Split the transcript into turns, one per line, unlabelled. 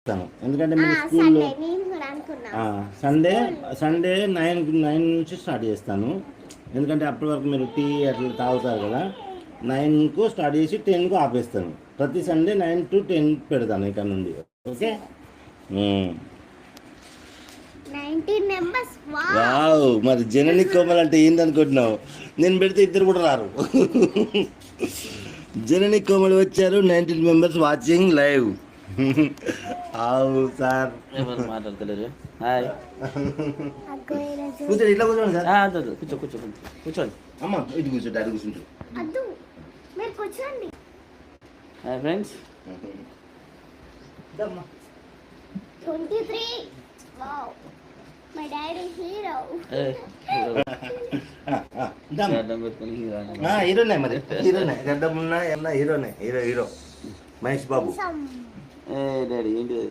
ఎందుకంటే మీరు స్కూల్లో సండే సండే 9 నుంచి స్టార్ట్ చేస్తాను. ఎందుకంటే అప్పటి వరకు మీరు టీ అట్లా తాగుతారు కదా. 9కు స్టార్ట్ చేసి 10కు ఆపేస్తాను. ప్రతి సండే 9 to 10 పెడతాను ఇక్కడ నుండి. ఓకే. వావ్, మరి జనని కోమల్ అంటే ఏందనుకుంటున్నావు? నేను పెడితే ఇద్దరు కూడా రారు. జనని కోమల్ వచ్చారు. 19 మెంబర్స్ వాచింగ్ లైవ్. సార్
మాట్లాడతలేరు. హాయ్,
కూర్చోండి, ఇట్లా కూర్చోండి సార్.
కూర్చోండి.
అమ్మ ఇటు కూర్చోండి, అటు కూర్చుంటారు.
Hi friends.
23. Wow. My dad is hero.
హీరోనే మరి, హీరోనే. గడ్డం ఉన్నా హీరోనే, హీరో మహేష్ బాబు.
డాడీ ఏంటి